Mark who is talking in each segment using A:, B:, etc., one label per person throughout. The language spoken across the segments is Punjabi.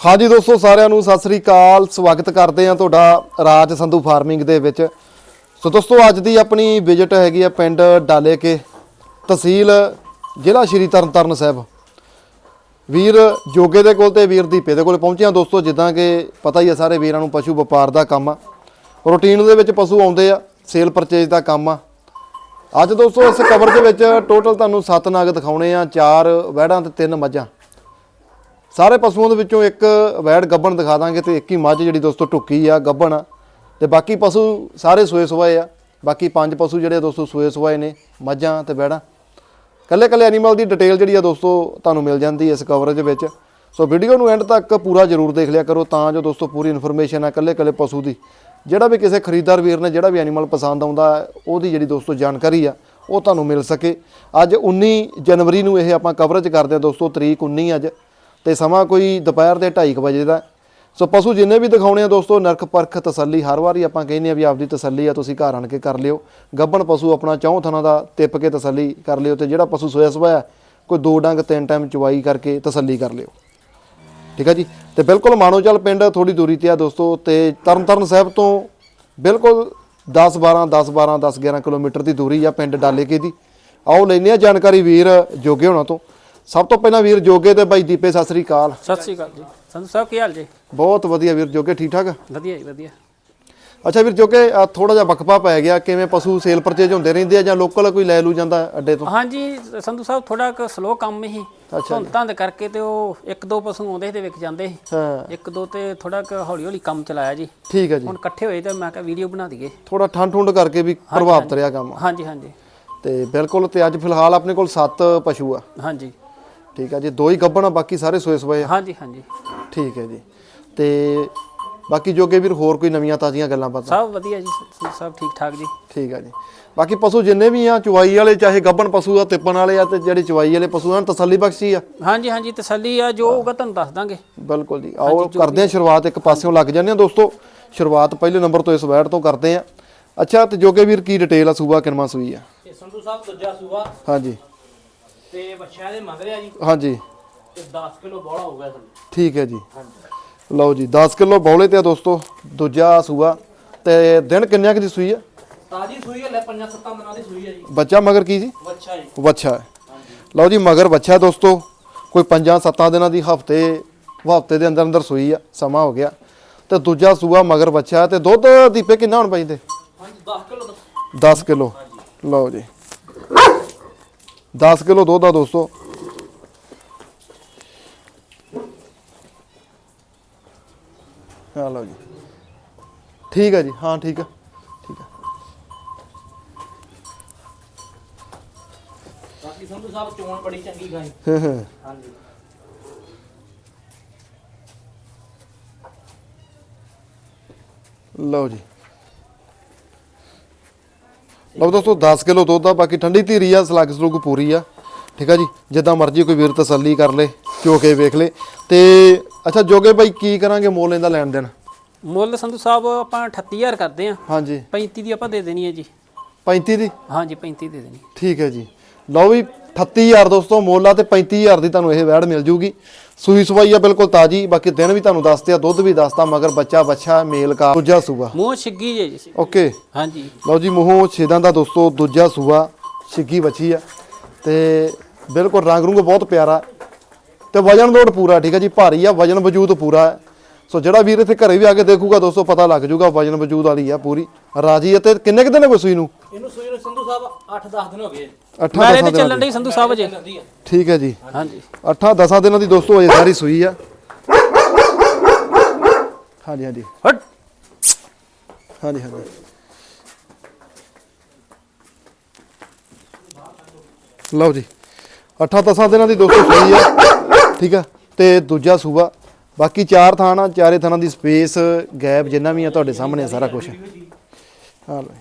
A: हाँ जी दोस्तों सारिਆਂ ਨੂੰ ਸਤਿ ਸ੍ਰੀ ਅਕਾਲ ਸਵਾਗਤ ਕਰਦੇ ਹਾਂ ਤੁਹਾਡਾ ਰਾਜ ਸੰਧੂ ਫਾਰਮਿੰਗ ਦੇ ਵਿੱਚ। ਸੋ ਦੋਸਤੋ ਅੱਜ ਦੀ ਆਪਣੀ ਵਿਜ਼ਿਟ ਹੈਗੀ ਆ ਪਿੰਡ ਡਾਲੇ ਕੇ ਤਹਿਸੀਲ ਜ਼ਿਲ੍ਹਾ ਸ਼੍ਰੀ ਤਰਨਤਾਰਨ ਸਾਹਿਬ। ਵੀਰ ਜੋਗੇ ਦੇ ਕੋਲ ਤੇ ਵੀਰ ਦੀਪੇ ਦੇ ਕੋਲ ਪਹੁੰਚੇ ਹਾਂ ਦੋਸਤੋ। ਜਿੱਦਾਂ ਕਿ ਪਤਾ ਹੀ ਆ ਸਾਰੇ ਵੀਰਾਂ ਨੂੰ ਪਸ਼ੂ ਵਪਾਰ ਦਾ ਕੰਮ ਆ, ਰੂਟੀਨ ਦੇ ਵਿੱਚ ਪਸ਼ੂ ਆਉਂਦੇ ਆ, ਸੇਲ ਪਰਚੇਜ ਦਾ ਕੰਮ ਆ। ਅੱਜ ਦੋਸਤੋ ਇਸ ਕਵਰ ਦੇ ਵਿੱਚ ਟੋਟਲ ਤੁਹਾਨੂੰ 7 ਨਗ ਦਿਖਾਉਣੇ ਆ, 4 ਵੈੜਾਂ ਤੇ 3 ਮੱਝਾਂ। ਸਾਰੇ ਪਸ਼ੂਆਂ ਦੇ ਵਿੱਚੋਂ ਇੱਕ ਵੈੜ ਗੱਭਣ ਦਿਖਾ ਦਾਂਗੇ ਤੇ ਇੱਕ ਹੀ ਮੱਝ ਜਿਹੜੀ ਦੋਸਤੋ ਟੁੱਕੀ ਆ ਗੱਭਣ ਆ, ਤੇ ਬਾਕੀ ਪਸ਼ੂ ਸਾਰੇ ਸੂਏ ਸੁਆਏ ਆ। ਬਾਕੀ 5 ਪਸ਼ੂ ਜਿਹੜੇ ਦੋਸਤੋ ਸੂਏ ਸੁਆਏ ਨੇ, ਮੱਝਾਂ ਤੇ ਵੈੜਾਂ। ਕੱਲੇ ਕੱਲੇ ਐਨੀਮਲ ਦੀ ਡਿਟੇਲ ਜਿਹੜੀ ਆ ਦੋਸਤੋ ਤੁਹਾਨੂੰ ਮਿਲ ਜਾਂਦੀ ਇਸ ਕਵਰੇਜ ਵਿੱਚ। ਸੋ ਵੀਡੀਓ ਨੂੰ ਐਂਡ ਤੱਕ ਪੂਰਾ ਜ਼ਰੂਰ ਦੇਖ ਲਿਆ ਕਰੋ ਤਾਂ ਜੋ ਦੋਸਤੋ ਪੂਰੀ ਇਨਫੋਰਮੇਸ਼ਨ ਆ ਕੱਲੇ ਕੱਲੇ ਪਸ਼ੂ ਦੀ। ਜਿਹੜਾ ਵੀ ਕਿਸੇ ਖਰੀਦਦਾਰ ਵੀਰ ਨੇ ਜਿਹੜਾ ਵੀ ਐਨੀਮਲ ਪਸੰਦ ਆਉਂਦਾ ਉਹਦੀ ਜਿਹੜੀ ਦੋਸਤੋ ਜਾਣਕਾਰੀ ਆ ਉਹ ਤੁਹਾਨੂੰ ਮਿਲ ਸਕੇ। ਅੱਜ 19 ਜਨਵਰੀ ਨੂੰ ਇਹ ਆਪਾਂ ਕਵਰੇਜ ਕਰਦੇ ਹਾਂ ਦੋਸਤੋ, ਤਰੀਕ 19 ਅੱਜ, ਤੇ ਸਮਾਂ ਕੋਈ ਦੁਪਹਿਰ ਦੇ 2:30 ਵਜੇ ਦਾ। ਸੋ ਪਸ਼ੂ ਜਿੰਨੇ ਵੀ ਦਿਖਾਉਣੇ ਆ ਦੋਸਤੋ ਨਰਕ ਪਰਖ ਤਸੱਲੀ, ਹਰ ਵਾਰੀ ਆਪਾਂ ਕਹਿੰਦੇ ਆ ਵੀ ਆਪਦੀ ਤਸੱਲੀ ਆ ਤੁਸੀਂ ਘਰ ਆਣ ਕੇ ਕਰ ਲਿਓ। ਗੱਭਣ ਪਸ਼ੂ ਆਪਣਾ 4 ਥਣਾ ਦਾ ਤਿੱਪ ਕੇ ਤਸੱਲੀ ਕਰ ਲਿਓ, ਤੇ ਜਿਹੜਾ ਪਸ਼ੂ ਸੋਇਆ ਸਵਾਇਆ ਕੋਈ 2 ਡੰਗ 3 ਟਾਈਮ ਚਵਾਈ ਕਰਕੇ ਤਸੱਲੀ ਕਰ ਲਿਓ, ਠੀਕ ਆ ਜੀ। ਤੇ ਬਿਲਕੁਲ ਮਾਨੋਚਲ ਪਿੰਡ ਥੋੜੀ ਦੂਰੀ ਤੇ ਆ ਦੋਸਤੋ, ਤੇ ਤਰਨਤਾਰਨ ਸਾਹਿਬ ਤੋਂ ਬਿਲਕੁਲ 10-11 ਕਿਲੋਮੀਟਰ ਦੀ ਦੂਰੀ ਆ ਪਿੰਡ ਡਾਲੇਕੇ ਦੀ। ਆਓ ਲੈਂਦੇ ਆ ਜਾਣਕਾਰੀ ਵੀਰ ਜੋਗੇ ਹੋਣਾ ਤੋਂ। ਸਭ ਤੋਂ ਪਹਿਲਾਂ ਵੀਰ ਜੋਗੇ ਤੇ ਬਾਈ ਦੀਪੇ ਸਤਿ ਸ੍ਰੀ ਅਕਾਲ।
B: ਸਤਿ ਸ੍ਰੀ ਅਕਾਲ ਜੀ ਸੰਧੂ ਸਾਹਿਬ, ਕੀ ਹਾਲ ਜੀ?
A: ਬਹੁਤ ਵਧੀਆ ਵੀਰ ਜੋਗੇ, ਠੀਕ ਠਾਕ?
B: ਵਧੀਆ ਜੀ ਵਧੀਆ।
A: ਅੱਛਾ ਵੀਰ ਜੋਗੇ ਥੋੜਾ ਜਿਹਾ ਵਕਫਾ ਪੈ ਗਿਆ, ਕਿਵੇਂ ਪਸ਼ੂ ਸੇਲ ਪਰਚੇਜ ਹੁੰਦੇ ਰਹਿੰਦੇ ਆ ਜਾਂ ਲੋਕਲ ਕੋਈ ਲੈ ਲੂ ਜਾਂਦਾ ਅੱਡੇ ਤੋਂ?
B: ਹਾਂਜੀ ਸੰਧੂ ਸਾਹਿਬ ਥੋੜਾ ਕੁ ਸਲੋ ਕੰਮ ਹੀ ਧੁੰਦਾਂ ਦੇ ਕਰਕੇ, ਤੇ ਉਹ 1-2 ਪਸ਼ੂ ਆਉਂਦੇ ਤੇ ਵਿਕ ਜਾਂਦੇ ਸੀ।
A: ਹਾਂ
B: 1-2 ਤੇ ਥੋੜਾ ਕੁ ਹੌਲੀ ਹੌਲੀ ਕੰਮ ਚਲਾਇਆ ਜੀ।
A: ਠੀਕ ਹੈ ਜੀ।
B: ਹੁਣ ਇਕੱਠੇ ਹੋਏ ਤੇ ਮੈਂ ਕਿਹਾ ਵੀਡੀਓ ਬਣਾ ਦਈਏ।
A: ਥੋੜਾ ਠੰਡ ਕਰਕੇ ਵੀ ਪ੍ਰਭਾਵਿਤ ਰਿਹਾ ਕੰਮ।
B: ਹਾਂਜੀ ਹਾਂਜੀ
A: ਤੇ ਬਿਲਕੁਲ। ਤੇ ਅੱਜ ਫਿਲਹਾਲ ਆਪਣੇ ਕੋਲ 7 ਪਸ਼ੂ ਆ।
B: ਹਾਂਜੀ
A: ਠੀਕ ਆ ਜੀ, 2 ਹੀ ਗੱਭਣ ਆ, ਬਾਕੀ ਸਾਰੇ ਸੋਏ ਸਵਾਏ ਆ।
B: ਹਾਂਜੀ ਹਾਂਜੀ
A: ਠੀਕ ਹੈ ਜੀ। ਤੇ ਬਾਕੀ ਜੋਗੇ ਵੀਰ ਹੋਰ ਕੋਈ ਨਵੀਆਂ ਤਾਜ਼ੀਆਂ ਗੱਲਾਂ ਪਤਾ?
B: ਸਭ ਵਧੀਆ ਜੀ ਸੰਧੂ ਸਾਹਿਬ, ਠੀਕ ਠਾਕ ਜੀ।
A: ਠੀਕ ਆ ਜੀ। ਬਾਕੀ ਪਸ਼ੂ ਜਿੰਨੇ ਵੀ ਆ ਚੁਵਾਈ ਵਾਲੇ, ਚਾਹੇ ਗੱਭਣ ਪਸ਼ੂ ਆ, ਤਿੱਪਣ ਵਾਲੇ ਆ, ਤੇ ਜਿਹੜੇ ਚੁਵਾਈ ਵਾਲੇ ਪਸ਼ੂ ਆ ਤਸੱਲੀ ਬਖਸ਼ੀ ਆ।
B: ਹਾਂਜੀ ਹਾਂਜੀ ਤਸੱਲੀ ਆ, ਜੋ ਹੋਊਗਾ ਤੁਹਾਨੂੰ ਦੱਸ ਦਾਂਗੇ।
A: ਬਿਲਕੁਲ ਜੀ। ਆਓ ਕਰਦੇ ਆ ਸ਼ੁਰੂਆਤ, ਇੱਕ ਪਾਸਿਓਂ ਲੱਗ ਜਾਂਦੇ ਆ ਦੋਸਤੋ। ਸ਼ੁਰੂਆਤ ਪਹਿਲੇ ਨੰਬਰ ਤੋਂ ਇਸ ਵੈੜ ਤੋਂ ਕਰਦੇ ਆ। ਅੱਛਾ ਤੇ ਜੋਗੇ ਵੀਰ ਕੀ ਡਿਟੇਲ ਆ, ਸੂਬਾ ਕਿੰਨਾ ਸੂਈ ਆ?
B: ਇਹ ਸੰਧੂ ਸਾਹਿਬ ਦੂਜਾ ਸੂਬਾ।
A: ਹਾਂਜੀ
B: ਤੇ ਬੱਚਿਆਂ ਦੇ ਮਗਰ ਆ ਜੀ।
A: ਹਾਂਜੀ
B: ਤੇ 10 ਕਿਲੋ ਬੋਲਾ ਹੋਊਗਾ ਸੰਧੂ।
A: ਠੀਕ ਹੈ ਜੀ।
B: ਹਾਂਜੀ
A: ਲਓ ਜੀ 10 ਕਿਲੋ ਬੌਲੇ ਤੇ ਆ ਦੋਸਤੋ, ਦੂਜਾ ਸੂਆ। ਤੇ ਦਿਨ ਕਿੰਨਿਆਂ ਕੁ ਦੀ ਸੂਈ ਆ?
B: ਤਾਜੀ ਸੂਈ ਹੈ, ਲੈ 5-7 ਦਿਨਾਂ ਦੀ ਸੂਈ ਹੈ ਜੀ।
A: ਬੱਚਾ ਮਗਰ ਕੀ ਜੀ?
B: ਬੱਚਾ ਜੀ।
A: ਵੱਛਾ ਹੈ। ਲਓ ਜੀ ਮਗਰ ਬੱਚਾ ਦੋਸਤੋ, ਕੋਈ 5-7 ਦਿਨਾਂ ਦੀ, ਹਫਤੇ ਦੇ ਅੰਦਰ ਸੂਈ ਆ, ਸਮਾਂ ਹੋ ਗਿਆ। ਤੇ ਦੂਜਾ ਸੂਆ ਮਗਰ ਬੱਚਾ। ਤੇ ਦੁੱਧ ਦੀਪੇ ਕਿੰਨਾ ਹੁਣ ਪੈਂਦੇ?
B: ਹਾਂਜੀ 10 ਕਿਲੋ।
A: 10 ਕਿਲੋ। ਲਓ ਜੀ 10 ਕਿਲੋ ਦੁੱਧ ਆ ਦੋਸਤੋ। ਹਾਂ ਲਓ ਜੀ ਠੀਕ ਹੈ ਜੀ। ਹਾਂ ਠੀਕ ਆ ਠੀਕ ਆ।
B: ਬਾਕੀ ਸੰਧੂ ਸਾਹਿਬ ਚੋਣ ਬੜੀ ਚੰਗੀ ਗਾਈ। ਹਾਂਜੀ
A: ਲਓ ਜੀ। ਲਓ ਦੋਸਤੋ 10 ਕਿਲੋ ਦੁੱਧ ਆ, ਬਾਕੀ ਠੰਡੀ ਧੀਰੀ ਆ, ਸਲੱਗ ਸਲੂਗ ਪੂਰੀ ਆ। ਠੀਕ ਆ ਜੀ। ਜਿੱਦਾਂ ਮਰਜ਼ੀ ਕੋਈ ਵੀਰ ਤਸੱਲੀ ਕਰ ਲੇ, ਚੋ ਕੇ ਵੇਖ ਲੇ। ਤੇ ਅੱਛਾ ਜੋਗੇ ਭਾਈ ਕੀ ਕਰਾਂਗੇ ਮੁੱਲ ਇਹਦਾ ਲੈਣ ਦੇਣ?
B: ਮੁੱਲ ਸੰਧੂ ਸਾਹਿਬ ਆਪਾਂ 38000 ਕਰਦੇ ਆ।
A: ਹਾਂਜੀ
B: 35 ਦੀ ਆਪਾਂ ਦੇ ਦੇਣੀ ਹੈ ਜੀ।
A: 35 ਦੀ?
B: ਹਾਂਜੀ 35 ਦੇ ਦੇਣੀ।
A: ਠੀਕ ਹੈ ਜੀ। ਲਓ ਵੀ 38000 ਦੋਸਤੋ ਮੁੱਲ ਆ, ਤੇ 35000 ਦੀ ਤੁਹਾਨੂੰ ਇਹ ਵੈੜ ਮਿਲ ਜੂਗੀ। ਸੂਈ ਸਵਾਈ ਆ ਬਿਲਕੁਲ ਤਾਜੀ। ਬਾਕੀ ਦਿਨ ਵੀ ਤੁਹਾਨੂੰ ਦੱਸਦੇ ਆ, ਦੁੱਧ ਵੀ ਦੱਸਦਾ, ਮਗਰ ਬੱਚਾ ਮੇਲ ਕਾ ਦੂਜਾ ਸੂਆ।
B: ਮੂੰਹ ਛਿੱਗੀ ਜੇ ਜੀ।
A: ਓਕੇ।
B: ਹਾਂਜੀ
A: ਲਓ ਜੀ ਮੂੰਹੋਂ ਛੇਦਾਂ ਦਾ ਦੋਸਤੋ ਦੂਜਾ ਸੂਆ, ਛਿੱਗੀ ਬੱਚੀ ਆ, ਤੇ ਬਿਲਕੁਲ ਰੰਗ ਰੁੰਗ ਬਹੁਤ ਪਿਆਰਾ, ਤੇ ਵਜਨ ਲੋਡ ਪੂਰਾ। ਠੀਕ ਹੈ ਜੀ, ਭਾਰੀ ਆ, ਵਜਨ ਵਜੂਦ ਪੂਰਾ ਹੈ। ਸੋ ਜਿਹੜਾ ਵੀਰ ਇੱਥੇ ਘਰੇ ਵੀ ਆ ਕੇ ਦੇਖੂਗਾ ਦੋਸਤੋ ਪਤਾ ਲੱਗ ਜੂਗਾ, ਵਜਨ ਵਜੂਦ ਵਾਲੀ ਆ ਪੂਰੀ, ਰਾਜੀ। ਅਤੇ ਕਿੰਨੇ ਕੁ ਦਿਨ ਹੋ ਸੂਈ ਨੂੰ?
B: ਇਹਨੂੰ ਸੂਈ ਨੂੰ ਸੰਧੂ ਸਾਹਿਬ 8-10 ਦਿਨ ਹੋ ਗਏ।
A: 8-10
B: ਦਿਨ ਚੱਲਣ ਦੀ ਸੰਧੂ ਸਾਹਿਬ ਜੀ।
A: ਠੀਕ ਹੈ ਜੀ।
B: ਹਾਂਜੀ
A: 8-10 ਦਿਨਾਂ ਦੀ ਦੋਸਤੋ ਅਜੇ ਸਾਰੀ ਸੂਈ ਆ। ਹਾਂਜੀ ਹਾਂਜੀ
B: ਹਟ।
A: ਹਾਂਜੀ ਹਾਂਜੀ। ਲਓ ਜੀ 8-10 ਦਿਨਾਂ ਦੀ ਦੋਸਤੋ ਸੂਈ ਆ। ਠੀਕ ਆ। ਤੇ ਦੂਜਾ ਸੂਆ, ਬਾਕੀ 4 ਥਾਂ ਆ, 4 ਥਾਂ ਦੀ ਸਪੇਸ ਗੈਪ ਜਿੰਨਾ ਵੀ ਆ ਤੁਹਾਡੇ ਸਾਹਮਣੇ ਸਾਰਾ ਕੁਝ। ਹਾਂ ਲਓ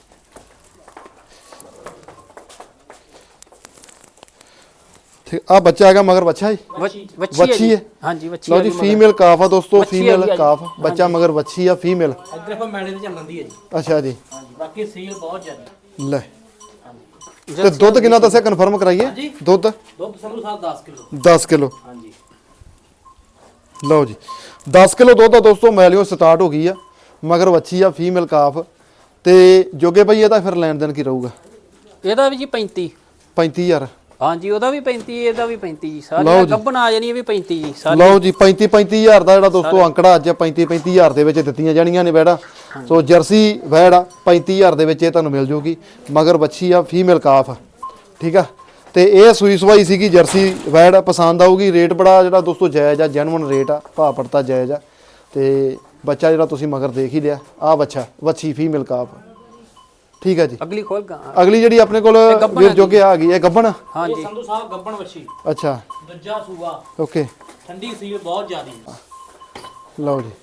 A: ਠੀਕ ਆ। ਬੱਚਾ ਹੈਗਾ ਮਗਰ ਬੱਚਾ ਜੀ, ਵੱਛੀ ਹੈ।
B: ਹਾਂਜੀ ਵੱਛੀ।
A: ਲਓ ਜੀ ਫੀਮੇਲ ਕਾਫ ਆ ਦੋਸਤੋ, ਫੀਮੇਲ ਕਾਫ, ਬੱਚਾ ਮਗਰ ਵੱਛੀ ਆ ਫੀਮੇਲ।
B: ਇੱਧਰ ਆਪਾਂ ਮੈਲੇ ਤੇ ਚੱਲਣ ਦੀ ਹੈ ਜੀ।
A: ਅੱਛਾ ਜੀ।
B: ਹਾਂਜੀ ਬਾਕੀ ਸੀਲ ਬਹੁਤ ਜ਼ਿਆਦਾ।
A: ਲੈ ਤੇ ਦੁੱਧ ਕਿੰਨਾ ਦੱਸਿਆ, ਕਨਫਰਮ ਕਰਾਈਏ? ਦੁੱਧ
B: ਸੰਧੂ ਸਾਹਿਬ 10 ਕਿਲੋ।
A: 10 ਕਿਲੋ।
B: ਹਾਂਜੀ
A: ਲਓ ਜੀ 10 ਕਿਲੋ ਦੁੱਧ ਆ ਦੋਸਤੋ ਮੈਲਿਓ ਸਟਾਰਟ ਹੋ ਗਈ ਆ ਮਗਰ ਵੱਛੀ ਆ ਫੀਮੇਲ ਕਾਫ ਤੇ ਜੋਗੇ ਭਾਈ ਇਹਦਾ ਫਿਰ ਲੈਣ ਦੇਣ ਕੀ ਰਹੂਗਾ
B: ਇਹਦਾ ਵੀ ਜੀ 35
A: 35000
B: ਹਾਂਜੀ ਉਹਦਾ ਵੀ 35 ਇਹਦਾ ਵੀ 35 ਜੀ ਸਾਰੀਆਂ ਗੱਬਣ ਆ ਜਾਣੀ ਇਹ ਵੀ 35 ਜੀ ਸਾਰੀ
A: ਲਓ ਜੀ 35000 ਦਾ ਜਿਹੜਾ ਦੋਸਤੋ ਅੰਕੜਾ ਅੱਜ 35000 ਦੇ ਵਿੱਚ ਦਿੱਤੀਆਂ ਜਾਣੀਆਂ ਨੇ ਵੈੜਾ ਸੋ ਜਰਸੀ ਵੈੜ ਆ 35000 ਦੇ ਵਿੱਚ ਇਹ ਤੁਹਾਨੂੰ ਮਿਲ ਜੂਗੀ ਮਗਰ ਵੱਛੀ ਆ ਫੀਮੇਲ ਕਾਫ ਠੀਕ ਆ ਤੇ ਇਹ ਸੂਈ ਸਵਾਈ ਸੀਗੀ ਜਰਸੀ ਵੈੜ ਪਸੰਦ ਆਊਗੀ ਰੇਟ ਬੜਾ ਜਿਹੜਾ ਦੋਸਤੋ ਜਾਇਜ਼ ਆ ਜੈਨੂਇਨ ਰੇਟ ਆ ਭਾਅ ਪੜਤਾ ਜਾਇਜ਼ ਆ ਤੇ ਬੱਚਾ ਜਿਹੜਾ ਤੁਸੀਂ ਮਗਰ ਦੇਖ ਹੀ ਲਿਆ ਆ ਬੱਚਾ ਵੱਛੀ ਫੀਮੇਲ ਕਾਫ ਠੀਕ ਹੈ ਜੀ
B: ਅਗਲੀ ਖੋਲ ਗਾ
A: ਅਗਲੀ ਜਿਹੜੀ ਆਪਣੇ ਕੋਲ ਵੀਰ ਜੋਗੇ ਆ ਗਈ ਹੈ ਗੱਬਣ
B: ਹਾਂਜੀ
C: ਸੰਧੂ ਸਾਹਿਬ ਗੱਬਣ ਵੱਛੀ
A: ਅੱਛਾ
C: ਦੂਜਾ ਸੂਆ
A: ਓਕੇ
C: ਠੰਡੀ ਸੀ ਬਹੁਤ ਜ਼ਿਆਦੀ
A: ਲਓ ਜੀ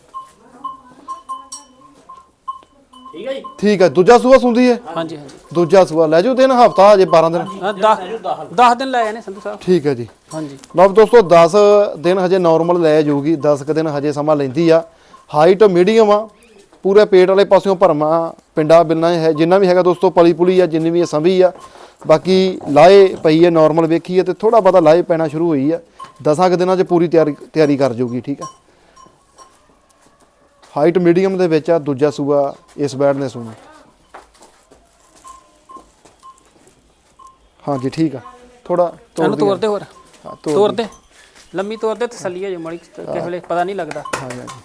C: ਠੀਕ ਹੈ ਜੀ
A: ਠੀਕ ਹੈ ਦੂਜਾ ਸੂਆ ਸੁੰਦੀ ਹੈ
B: ਹਾਂਜੀ ਹਾਂਜੀ
A: ਦੂਜਾ ਸੂਆ ਲੈ ਜਾਓ ਦਿਨ ਹਫਤਾ ਹਜੇ 12 ਦਿਨ
B: 10 ਦਿਨ ਲੈ ਜਾਣੇ ਸੰਧੂ ਸਾਹਿਬ
A: ਠੀਕ ਹੈ ਜੀ
B: ਹਾਂਜੀ
A: ਲਓ ਦੋਸਤੋ 10 ਦਿਨ ਹਜੇ ਨਾਰਮਲ ਲੈ ਜਾਊਗੀ 10 ਕ ਦਿਨ ਹਜੇ ਸਮਾਂ ਲੈਂਦੀ ਆ ਹਾਈਟ ਮੀਡੀਅਮ ਆ ਪੂਰੇ ਪੇਟ ਵਾਲੇ ਪਾਸਿਓਂ ਭਰਮਾ ਪਿੰਡਾ ਬਿਲਣਾ ਹੈ ਜਿੰਨਾ ਵੀ ਹੈਗਾ ਦੋਸਤੋ ਪਲੀ ਪੁਲੀ ਆ ਜਿੰਨੀ ਵੀ ਸੰਭੀ ਆ ਬਾਕੀ ਲਾਏ ਪਈ ਹੈ ਨਾਰਮਲ ਵੇਖੀ ਹੈ ਤੇ ਥੋੜਾ ਬਹੁਤਾ ਲਾਏ ਪੈਣਾ ਸ਼ੁਰੂ ਹੋਈ ਆ 10 ਕ ਦਿਨਾਂ 'ਚ ਪੂਰੀ ਤਿਆਰੀ ਕਰ ਜਾਊਗੀ ਠੀਕ ਆ ਹਾਈਟ ਮੀਡੀਅਮ ਦੇ ਵਿੱਚ ਆ ਦੂਜਾ ਸੂਆ ਇਸ ਬੈਡ ਨੇ ਸੂਣਾ ਹਾਂਜੀ ਠੀਕ ਆ ਥੋੜਾ
B: ਤੋੜ ਦੇ ਹੋਰ
A: ਹਾਂ
B: ਤੋੜ ਦੇ ਲੰਮੀ ਤੋੜ ਦੇ ਤਸੱਲੀ ਹੋ ਜੇ ਮੜੀ ਕਿਸੇ ਵੇਲੇ ਪਤਾ ਨਹੀਂ ਲੱਗਦਾ
A: ਹਾਂਜੀ ਹਾਂਜੀ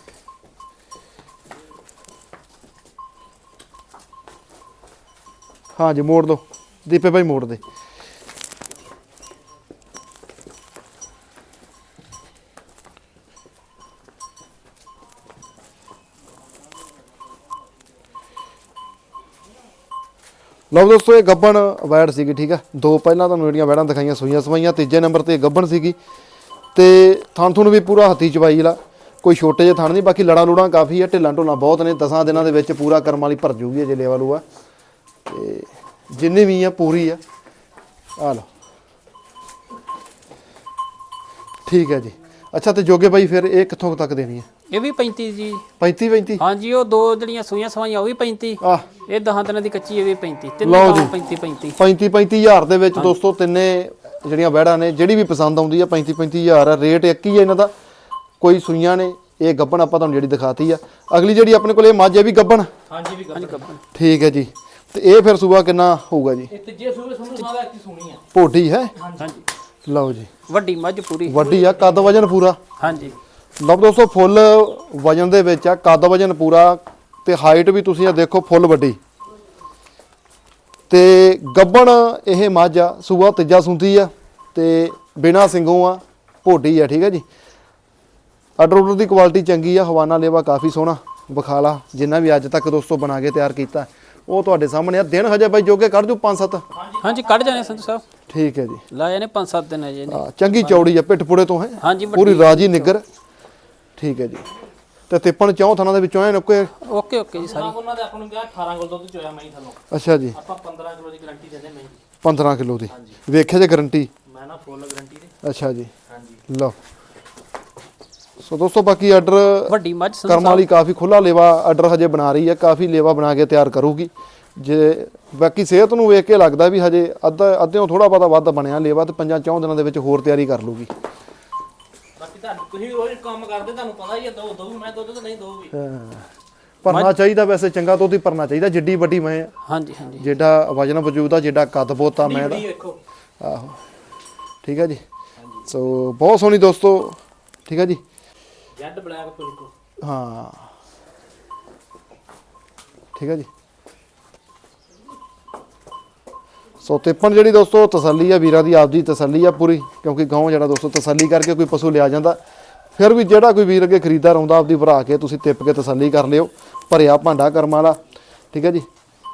A: ਹਾਂਜੀ ਮੋੜ ਦੋ ਦੀਪੇ ਭਾਈ ਮੋੜ ਦੇ ਲਓ ਦੋਸਤੋ ਇਹ ਗੱਬਣ ਵੈੜ ਸੀਗੀ ਠੀਕ ਆ ਦੋ ਪਹਿਲਾਂ ਤੁਹਾਨੂੰ ਜਿਹੜੀਆਂ ਵੈੜਾਂ ਦਿਖਾਈਆਂ ਸੂਈਆਂ ਸਵਾਈਆਂ ਤੀਜੇ ਨੰਬਰ ਤੇ ਗੱਬਣ ਸੀਗੀ ਤੇ ਥਣ ਥੁਣ ਵੀ ਪੂਰਾ ਹੱਥੀ ਚਵਾਈ ਲਾ ਕੋਈ ਛੋਟੇ ਜਿਹੇ ਥਣ ਨਹੀਂ ਬਾਕੀ ਲੜਾ ਲੂੜਾਂ ਕਾਫੀ ਆ ਢਿੱਲਾਂ ਢੋਲਾਂ ਬਹੁਤ ਨੇ 10 ਦਿਨਾਂ ਦੇ ਵਿੱਚ ਪੂਰਾ ਕਰਮ ਵਾਲੀ ਭਰ ਜੂਗੀ ਜੇ ਲੇਵਾ ਲੂਆ ਤੇ ਜਿੰਨੀ ਵੀ ਆ ਪੂਰੀ ਆ ਆ ਲਓ ਠੀਕ ਹੈ ਜੀ ਅੱਛਾ ਤੇ ਜੋਗੇ ਭਾਈ ਫਿਰ ਇਹ ਕਿੱਥੋਂ ਤੱਕ ਦੇਣੀ ਹੈ
B: ਇਹ ਵੀ 35 ਜੀ
A: 35
B: ਹਾਂਜੀ ਉਹ ਦੋ ਜਿਹੜੀਆਂ ਸੂਈਆਂ ਸਵਾਈਆਂ ਉਹ ਵੀ 35
A: ਆ
B: ਇਹ 10 ਦਿਨਾਂ ਦੀ ਕੱਚੀ ਇਹ ਵੀ 35 ਤਿੰਨ
A: ਲਓ ਜੀ।
B: 35
A: 35000 ਦੇ ਵਿੱਚ ਦੋਸਤੋ ਤਿੰਨੇ ਜਿਹੜੀਆਂ ਵੈੜਾਂ ਨੇ ਜਿਹੜੀ ਵੀ ਪਸੰਦ ਆਉਂਦੀ ਆ 35000 ਆ ਰੇਟ ਇੱਕ ਹੀ ਆ ਇਹਨਾਂ ਦਾ ਕੋਈ ਸੂਈਆਂ ਨੇ ਇਹ ਗੱਬਣ ਆਪਾਂ ਤੁਹਾਨੂੰ ਜਿਹੜੀ ਦਿਖਾਤੀ ਆ ਅਗਲੀ ਜਿਹੜੀ ਆਪਣੇ ਕੋਲ ਇਹ ਮੱਝ ਹੈ ਵੀ ਗੱਬਣ
C: ਹਾਂਜੀ ਵੀ ਗੱਬਣ
A: ਠੀਕ ਹੈ ਜੀ ਤੇ ਇਹ ਫਿਰ ਸੂਆ ਕਿੰਨਾ ਹੋਊਗਾ ਜੀ
C: ਇਹ ਤੀਜੇ ਸੂਏ ਸੰਧੂ ਸਾਹਿਬ ਇੱਕ ਸੁਣੀ ਆ
A: ਭੋਡੀ ਹੈ
B: ਹਾਂਜੀ
A: ਲਓ ਜੀ
B: ਵੱਡੀ ਮੱਝ ਪੂਰੀ
A: ਵੱਡੀ ਆ ਕੱਦ ਵਜਨ ਪੂਰਾ
B: ਹਾਂਜੀ
A: ਲਓ ਦੋਸਤੋ ਫੁੱਲ ਵਜਨ ਦੇ ਵਿੱਚ ਆ ਕੱਦ ਵਜਨ ਪੂਰਾ ਤੇ ਹਾਈਟ ਵੀ ਤੁਸੀਂ ਆ ਦੇਖੋ ਫੁੱਲ ਵੱਡੀ ਤੇ ਗੱਬਣ ਇਹ ਮੱਝ ਆ ਸੂਆ ਤੀਜਾ ਸੁੰਦੀ ਆ ਤੇ ਬਿਨਾ ਸਿੰਘੋਂ ਆ ਭੋਡੀ ਆ ਠੀਕ ਹੈ ਜੀ ਆਰਡਰ ਦੀ ਕੁਆਲਿਟੀ ਚੰਗੀ ਆ ਹਵਾਨਾ ਲੇਵਾ ਕਾਫੀ ਸੋਹਣਾ ਵਿਖਾਲਾ ਜਿੰਨਾ ਵੀ ਅੱਜ ਤੱਕ ਦੋਸਤੋ ਬਣਾ ਕੇ ਤਿਆਰ ਕੀਤਾ ਉਹ ਤੁਹਾਡੇ ਸਾਹਮਣੇ ਆ ਦਿਨ ਹਜੇ ਬਾਈ ਜੋਗੇ ਕੱਢ ਜੂ 5-7
B: ਹਾਂਜੀ ਕੱਢ ਜਾਣੇ ਸੰਧੂ ਸਾਹਿਬ
A: ਠੀਕ ਹੈ ਜੀ
B: ਲਾਏ ਨੇ 5-7 ਦਿਨ ਅਜੇ ਨੇ
A: ਚੰਗੀ ਚੌੜੀ ਆ ਪਿੱਠ ਪੁੜੇ ਤੋਂ ਹੈ
B: ਹਾਂਜੀ
A: ਪੂਰੀ ਰਾਜੀ ਨਿੱਗਰ ਠੀਕ ਹੈ ਜੀ ਤੇ ਤਿੱਪਣ ਚੌਂ ਥਾਂ ਦੇ ਵਿੱਚੋਂ ਐ ਨੁੱਕੇ
B: ਓਕੇ ਓਕੇ ਜੀ ਸਾਰੀ
C: ਉਹਨਾਂ ਦੇ ਆਪਾਂ ਨੂੰ ਕਿਹਾ 18 ਕਿਲੋ ਦੁੱਧ ਚੋਇਆ ਮੈਂ ਥੱਲੋਂ
A: ਅੱਛਾ ਜੀ
C: ਆਪਾਂ 15 ਕਿਲੋ ਦੀ ਗਾਰੰਟੀ ਦਿੰਦੇ ਮੈਂ
A: 15 ਕਿਲੋ ਦੀ ਵੇਖਿਆ ਜੇ ਗਾਰੰਟੀ
C: ਮੈਂ ਨਾ ਫੁੱਲ ਗਾਰੰਟੀ ਦੇ
A: ਅੱਛਾ ਜੀ
C: ਹਾਂਜੀ
A: ਲਓ ਸੋ ਦੋਸਤੋ ਬਾਕੀ ਆਰਡਰ
B: ਵੱਡੀ ਮੱਝ ਸੰਧੂ
A: ਕਰਮ ਵਾਲੀ ਕਾਫੀ ਖੁੱਲਾ ਲੇਵਾ ਆਰਡਰ ਹਜੇ ਬਣਾ ਰਹੀ ਹੈ ਕਾਫੀ ਲੇਵਾ ਬਣਾ ਕੇ ਤਿਆਰ ਕਰੂਗੀ ਜੇ ਬਾਕੀ ਸਿਹਤ ਨੂੰ ਵੇਖ ਕੇ ਲੱਗਦਾ ਵੀ ਹਜੇ ਅੱਧਿਓਂ ਥੋੜਾ ਬਹੁਤਾ ਵੱਧ ਬਣਿਆ ਲੇਵਾ ਤੇ 5-4 ਦਿਨਾਂ ਦੇ ਵਿੱਚ ਹੋਰ ਤਿਆਰੀ ਕਰ ਲੂਗੀ
C: ਬਾਕੀ ਤੁਹਾਨੂੰ ਤੁਸੀਂ ਰੋਜ਼ ਕੰਮ ਕਰਦੇ ਤੁਹਾਨੂੰ ਪਤਾ ਹੀ ਹੈ ਦੋ ਮੈਂ ਦੁੱਧ ਤਾਂ ਨਹੀਂ ਦੋਗੀ
A: ਭਰਨਾ ਚਾਹੀਦਾ ਵੈਸੇ ਚੰਗਾ ਦੁੱਧ ਹੀ ਭਰਨਾ ਚਾਹੀਦਾ ਜਿੱਡੀ ਵੱਡੀ ਮੈਂ ਆ
B: ਹਾਂਜੀ ਹਾਂਜੀ
A: ਜਿੱਡਾ ਵਜਨ ਵਜੂਦ ਆ ਜਿੱਡਾ ਕੱਦ ਬੋਤਾ ਮੈਂ ਦਾ
C: ਵੇਖੋ
A: ਆਹੋ ਠੀਕ ਹੈ ਜੀ ਸੋ ਬਹੁਤ ਸੋਹਣੀ ਦੋਸਤੋ ਠੀਕ ਹੈ ਜੀ
C: ਜੈਡ ਬਲੈਕ ਪਿਲਕੋ
A: ਹਾਂ ਠੀਕ ਹੈ ਜੀ ਸੋ ਤਿੱਪਣ ਜਿਹੜੀ ਦੋਸਤੋ ਤਸੱਲੀ ਆ ਵੀਰਾਂ ਦੀ ਆਪਦੀ ਤਸੱਲੀ ਆ ਪੂਰੀ ਕਿਉਂਕਿ ਗਾਉਂ ਜਿਹੜਾ ਦੋਸਤੋ ਤਸੱਲੀ ਕਰਕੇ ਕੋਈ ਪਸ਼ੂ ਲਿਆ ਜਾਂਦਾ ਫਿਰ ਵੀ ਜਿਹੜਾ ਕੋਈ ਵੀਰ ਅੱਗੇ ਖਰੀਦਦਾਰ ਆਉਂਦਾ ਆਪਦੀ ਭਰਾ ਕੇ ਤੁਸੀਂ ਤਿੱਪ ਕੇ ਤਸੱਲੀ ਕਰ ਲਿਓ ਭਰਿਆ ਭਾਂਡਾ ਕਰਮਾਂ ਵਾਲਾ ਠੀਕ ਹੈ ਜੀ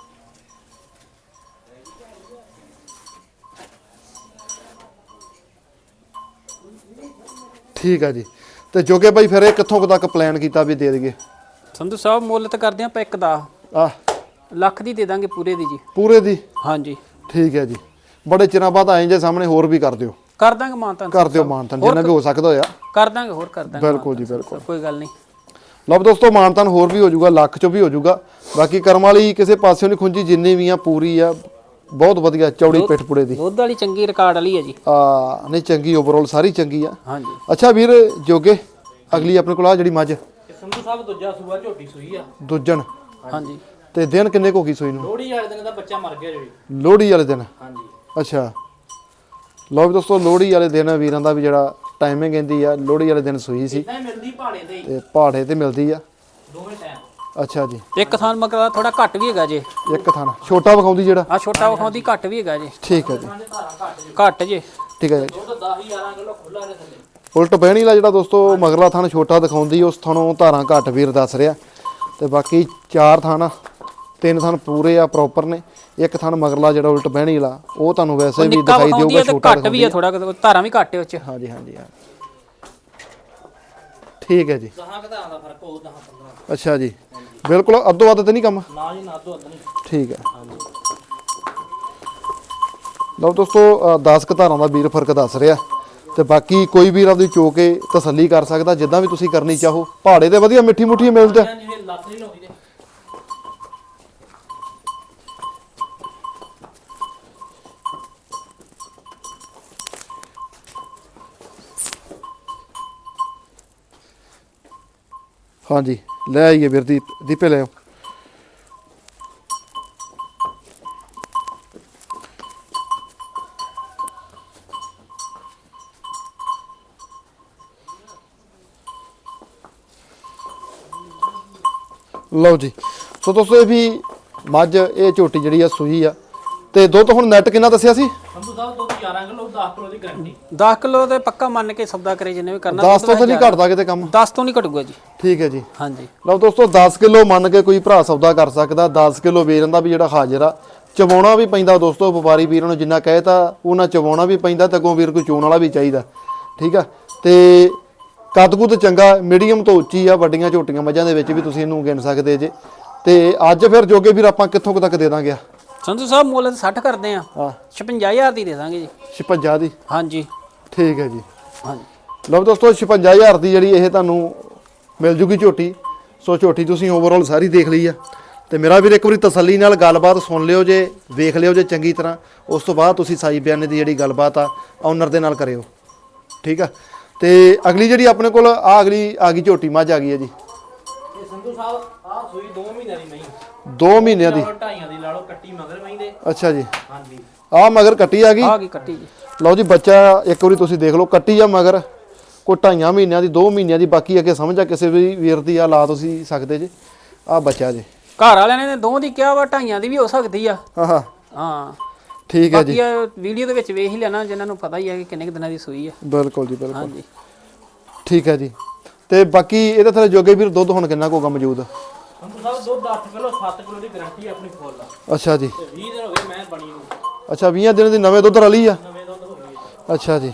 A: ਠੀਕ ਹੈ ਜੀ ਤੇ ਜੋਗੇ ਭਾਈ ਫਿਰ ਇਹ ਕਿੱਥੋਂ ਤੱਕ ਪਲਾਨ ਕੀਤਾ ਵੀ ਦੇ ਦੇਈਏ
B: ਸੰਧੂ ਸਾਹਿਬ ਮੁੱਲ ਤਾਂ ਕਰਦੇ ਆਪਾਂ ਇੱਕ ਦਾ
A: ਆ
B: ਲੱਖ ਦੀ ਦੇ ਦਾਂਗੇ ਪੂਰੇ ਦੀ ਜੀ
A: ਪੂਰੇ ਦੀ
B: ਹਾਂਜੀ
A: ਠੀਕ ਹੈ ਜੀ ਬੜੇ ਚਿਰਾਂ ਬਾਅਦ ਆਏ ਜੇ ਸਾਹਮਣੇ ਹੋਰ ਵੀ ਕਰ ਦਿਓ
B: ਕਰ ਦਾਂਗੇ ਮਾਨਤਾਨ
A: ਕਰ ਦਿਓ ਮਾਨਤਨ ਜਿੰਨਾ ਵੀ ਹੋ ਸਕਦਾ ਹੋਇਆ
B: ਕਰ ਦਾਂਗੇ ਹੋਰ ਕਰ ਦਾਂਗੇ
A: ਬਿਲਕੁਲ ਜੀ ਬਿਲਕੁਲ
B: ਕੋਈ ਗੱਲ ਨਹੀਂ
A: ਲਓ ਦੋਸਤੋ ਮਾਨਤਨ ਹੋਰ ਵੀ ਹੋ ਜਾਊਗਾ ਲੱਖ ਚੋਂ ਵੀ ਹੋ ਜਾਊਗਾ ਬਾਕੀ ਕਰਮ ਵਾਲੀ ਕਿਸੇ ਪਾਸਿਓਂ ਨਹੀਂ ਖੁੰਜੀ ਜਿੰਨੀ ਵੀ ਆ ਪੂਰੀ ਆ ਬਹੁਤ ਵਧੀਆ ਚੌੜੀ ਪਿੱਠ ਪੁੜੇ ਦੀ
B: ਦੁੱਧ ਵਾਲੀ ਚੰਗੀ ਰਿਕਾਰਡ ਵਾਲੀ ਹੈ ਜੀ
A: ਨਹੀਂ ਚੰਗੀ ਓਵਰਆਲ ਸਾਰੀ ਚੰਗੀ ਆ
B: ਹਾਂਜੀ
A: ਅੱਛਾ ਵੀਰ ਜੋਗੇ ਅਗਲੀ ਆਪਣੇ ਕੋਲ ਆ ਜਿਹੜੀ ਮੱਝ
C: ਇਹ ਸੰਧੂ ਸਾਹਿਬ ਦੂਜਾ ਸੂਆ ਝੋਟੀ ਸੂਈ ਆ
A: ਦੁੱਜਣ
B: ਹਾਂਜੀ
A: ਤੇ ਦਿਨ ਕਿੰਨੇ ਕੁ ਹੋ ਗਈ ਸੂਈ ਨੂੰ?
C: ਲੋਹੜੀ ਵਾਲੇ ਦਿਨ ਦਾ ਬੱਚਾ ਮਰ ਗਿਆ ਜੀ।
A: ਲੋਹੜੀ ਵਾਲੇ ਦਿਨ।
C: ਹਾਂਜੀ
A: ਅੱਛਾ ਲਓ ਵੀ ਦੋਸਤੋ ਲੋਹੜੀ ਵਾਲੇ ਦਿਨ ਵੀਰਾਂ ਦਾ ਵੀ ਜਿਹੜਾ ਟਾਈਮਿੰਗ ਕਹਿੰਦੀ ਆ ਲੋਹੜੀ ਵਾਲੇ ਦਿਨ ਸੂਈ ਸੀ
C: ਇਦਾਂ ਹੀ ਮਿਲਦੀ ਪਹਾੜੇ ਤੇ ਹੀ,
A: ਤੇ ਪਹਾੜੇ ਤੇ ਮਿਲਦੀ ਆ।
C: ਦੋਵੇਂ ਟਾਈਮ।
A: ਅੱਛਾ ਜੀ
B: ਇੱਕ ਥਾਨ ਮਗਰ ਥੋੜਾ ਘੱਟ ਵੀ ਹੈਗਾ ਜੇ
A: ਇੱਕ ਥਾਣਾ ਛੋਟਾ ਵਿਖਾਉਂਦੀ ਜਿਹੜਾ।
B: ਆ ਛੋਟਾ ਵਿਖਾਉਂਦੀ ਘੱਟ ਵੀ ਹੈਗਾ ਜੇ
A: ਠੀਕ ਹੈ ਜੀ
C: ਧਾਰਾਂ ਘੱਟ ਜੀ,
B: ਘੱਟ ਜੇ
A: ਠੀਕ ਹੈ ਜੀ।
C: ਦੁੱਧ 10-11 ਕਿਲੋ ਖੁੱਲਾ ਦੇ ਥੱਲੇ।
A: ਉਲਟ ਬਹਿਣੀ ਵਾਲਾ ਜਿਹੜਾ ਦੋਸਤੋ ਮਗਰਲਾ ਥਾਣ ਛੋਟਾ ਦਿਖਾਉਂਦੀ ਉਸ ਥਾਣੋਂ ਧਾਰਾਂ ਘੱਟ ਵੀਰ ਦੱਸ ਰਿਹਾ ਤੇ ਬਾਕੀ 4 ਥਾਣ 3 ਥਾਣ ਪੂਰੇ ਆ ਪ੍ਰੋਪਰ ਨੇ। ਇੱਕ ਥਾਣ ਮਗਰਲਾ ਜਿਹੜਾ ਉਲਟ ਬਹਿਣੀ ਵਾਲਾ ਉਹ ਤੁਹਾਨੂੰ ਵੈਸੇ ਵੀ
B: ਨਿੱਕਾ
A: ਦਿਖਾਈ
B: ਵਿਖਾਉਂਦੀ
A: ਦੇਊਗਾ
B: ਹੈ ਤੇ
A: ਛੋਟਾ
B: ਘੱਟ ਵੀ ਹੈ ਥੋੜਾ ਧਾਰਾਂ ਵੀ ਘੱਟ ਹੈ ਉੱਚ।
A: ਹਾਂਜੀ ਹਾਂਜੀ ਹਾਂ ਠੀਕ ਹੈ ਜੀ।
C: 10 ਧਾਰਾਂ ਦਾ ਫਰਕ ਹੋਊ 10-15।
A: ਅੱਛਾ ਜੀ ਬਿਲਕੁਲ ਅੱਧੋ ਅੱਧ ਤੇ ਨਹੀਂ ਕੰਮ।
C: ਨਾ ਜੀ ਨਾ ਦੋ ਅੱਧ ਨਹੀਂ।
A: ਠੀਕ ਹੈ ਲਓ ਦੋਸਤੋ 10 ਕੁ ਧਾਰਾਂ ਦਾ ਵੀਰ ਫਰਕ ਦੱਸ ਰਿਹਾ ਤੇ ਬਾਕੀ ਕੋਈ ਵੀਰ ਆਪਦੀ ਚੋ ਕੇ ਤਸੱਲੀ ਕਰ ਸਕਦਾ ਜਿੱਦਾਂ ਵੀ ਤੁਸੀਂ ਕਰਨੀ ਚਾਹੋ। ਪਹਾੜੇ ਤੇ ਵਧੀਆ ਮਿੱਠੀ ਮੁੱਠੀ ਮਿਲਦਾ।
C: ਜਿਵੇਂ ਲੱਤ ਨਹੀਂ ਲਾਉਂਦੀ ਤੇ
A: ਹਾਂਜੀ ਲੈ ਆਈਏ ਵੀਰ ਦੀਪੇ ਲੈ ਆਓ। ਲਓ ਜੀ ਸੋ ਦੋਸਤੋ ਇਹ ਵੀ ਮੱਝ ਇਹ ਝੋਟੀ ਜਿਹੜੀ ਆ ਸੂਈ ਆ ਤੇ ਦੁੱਧ ਹੁਣ ਨੈਟ ਕਿੰਨਾ ਦੱਸਿਆ ਸੀ?
C: ਸੰਧੂ ਸਾਹਿਬ ਦੁੱਧ 11 ਕਿਲੋ 10 ਕਿਲੋ ਦੀ ਗਾਰੰਟੀ।
B: 10 ਕਿਲੋ ਤੇ ਪੱਕਾ ਮੰਨ ਕੇ ਸੌਦਾ ਕਰੇ ਜਿੰਨੇ ਵੀ ਕਰਨਾ
A: 10 ਤੋਂ ਤਾਂ ਨਹੀਂ ਘਟਦਾ ਕਿਤੇ ਕੰਮ।
B: 10 ਤੋਂ ਨਹੀਂ ਘਟੂਗਾ ਜੀ।
A: ਠੀਕ ਹੈ ਜੀ
B: ਹਾਂਜੀ
A: ਲਓ ਦੋਸਤੋ 10 ਕਿਲੋ ਮੰਨ ਕੇ ਕੋਈ ਭਰਾ ਸੌਦਾ ਕਰ ਸਕਦਾ। 10 ਕਿਲੋ ਵੇਚਣ ਦਾ ਵੀ ਜਿਹੜਾ ਹਾਜ਼ਰ ਆ ਚਵਾਉਣਾ ਵੀ ਪੈਂਦਾ ਦੋਸਤੋ। ਵਪਾਰੀ ਵੀਰਾਂ ਨੂੰ ਜਿੰਨਾ ਕਹੇ ਤਾਂ ਉਹਨਾਂ ਚਵਾਉਣਾ ਵੀ ਪੈਂਦਾ ਤੇ ਅੱਗੋਂ ਵੀਰ ਕੋਈ ਚੋਣ ਵਾਲਾ ਵੀ ਚਾਹੀਦਾ। ਠੀਕ ਆ ਤੇ ਕੱਦ ਕੁੱਦ ਚੰਗਾ ਮੀਡੀਅਮ ਤੋਂ ਉੱਚੀ ਆ। ਵੱਡੀਆਂ ਝੋਟੀਆਂ ਮੱਝਾਂ ਦੇ ਵਿੱਚ ਵੀ ਤੁਸੀਂ ਇਹਨੂੰ ਗਿਣ ਸਕਦੇ ਜੇ। ਤੇ ਅੱਜ ਫਿਰ ਜੋਗੇ ਵੀਰ ਆਪਾਂ ਕਿੱਥੋਂ ਕੁ ਤੱਕ ਦੇ ਦਾਂਗੇ?
B: ਸੰਧੂ ਸਾਹਿਬ ਮੁੱਲ 60 ਕਰਦੇ ਆ।
A: ਹਾਂ
B: 56000 ਦੀ ਦੇ ਦਾਂਗੇ ਜੀ।
A: 56 ਦੀ।
B: ਹਾਂਜੀ
A: ਠੀਕ ਹੈ ਜੀ
B: ਹਾਂਜੀ
A: ਲਓ ਦੋਸਤੋ 56000 ਦੀ ਜਿਹੜੀ ਇਹ ਤੁਹਾਨੂੰ ਮਿਲ ਜੂਗੀ ਝੋਟੀ। ਸੋ ਝੋਟੀ ਤੁਸੀਂ ਓਵਰਆਲ ਸਾਰੀ ਦੇਖ ਲਈ ਆ ਤੇ ਮੇਰਾ ਵੀਰ ਇੱਕ ਵਾਰੀ ਤਸੱਲੀ ਨਾਲ ਗੱਲਬਾਤ ਸੁਣ ਲਿਓ ਜੇ, ਵੇਖ ਲਿਓ ਜੇ ਚੰਗੀ ਤਰ੍ਹਾਂ। ਉਸ ਤੋਂ ਬਾਅਦ ਤੁਸੀਂ ਸਾਈ ਬਿਆਨੇ ਦੀ ਜਿਹੜੀ ਗੱਲਬਾਤ ਆ ਓਨਰ ਦੇ ਨਾਲ ਕਰਿਓ। ਠੀਕ ਆ ਤੇ ਅਗਲੀ ਜਿਹੜੀ ਆਪਣੇ ਕੋਲ ਅਗਲੀ ਆ ਗਈ ਝੋਟੀ ਮੱਝ ਆ ਗਈ ਹੈ ਜੀ।
C: ਇਹ ਸੰਧੂ ਸਾਹਿਬ ਆ ਸੂਈ 2 ਮਹੀਨਿਆਂ ਦੀ ਮਹੀਂ।
A: 2 ਮਹੀਨਿਆਂ ਦੀ।
C: 2.5 ਦੀ ਲਾ ਲਓ ਕੱਟੀ ਮਗਰ ਮਹੀਂ ਦੇ।
A: ਅੱਛਾ ਜੀ
C: ਹਾਂਜੀ
A: ਆ ਮਗਰ ਕੱਟੀ ਆ ਗਈ।
B: ਆ ਗਈ ਕੱਟੀ ਜੀ।
A: ਲਓ ਜੀ ਬੱਚਾ ਇੱਕ ਵਾਰੀ ਤੁਸੀਂ ਦੇਖ ਲਓ ਕੱਟੀ ਆ ਮਗਰ ਕੋਈ 2.5 ਮਹੀਨਿਆਂ ਦੀ 2 ਮਹੀਨਿਆਂ ਦੀ। ਬਾਕੀ ਅੱਗੇ ਸਮਝ ਆ ਕਿਸੇ ਵੀ ਵੀਰ ਦੀ ਆ ਲਾ ਤੁਸੀਂ ਸਕਦੇ ਜੇ। ਆ ਬੱਚਾ ਜੀ
B: ਘਰ ਵਾਲਿਆਂ ਨੇ 2 ਦੀ ਕਿਹਾ ਵਾ 2.5 ਦੀ ਵੀ ਹੋ ਸਕਦੀ ਆ।
A: ਹਾਂ ਹਾਂ
B: ਹਾਂ
A: ਠੀਕ ਹੈ ਜੀ
B: ਬਾਕੀ ਵੀਡੀਓ ਦੇ ਵਿੱਚ ਵੇਖ ਹੀ ਲੈਣਾ ਜਿਨ੍ਹਾਂ ਨੂੰ ਪਤਾ ਹੀ ਹੈ ਕਿ ਕਿੰਨੇ ਕੁ ਦਿਨਾਂ ਦੀ ਸੂਈ ਆ।
A: ਬਿਲਕੁਲ ਜੀ ਬਿਲਕੁਲ
B: ਹਾਂਜੀ
A: ਠੀਕ ਹੈ ਜੀ ਤੇ ਬਾਕੀ ਇਹਦੇ ਥੱਲੇ ਜੋਗੇ ਵੀਰ ਦੁੱਧ ਹੁਣ ਕਿੰਨਾ ਕੋਗਾ ਮੌਜੂਦ?
C: ਸੰਧੂ ਸਾਹਿਬ ਦੁੱਧ 8 ਕਿਲੋ 7 ਕਿਲੋ ਦੀ ਗਾਰੰਟੀ ਆਪਣੀ ਫੁੱਲ ਆ।
A: ਅੱਛਾ ਜੀ
C: ਤੇ 20 ਦਿਨ ਹੋ ਗਏ ਮੈਂ ਬਣੀ ਨੂੰ।
A: ਅੱਛਾ 20 ਦਿਨ ਦੀ ਨਵੇਂ ਦੁੱਧ ਰਲੀ ਆ।
C: ਨਵੇਂ ਦੁੱਧ ਹੋ ਗਏ।
A: ਅੱਛਾ ਜੀ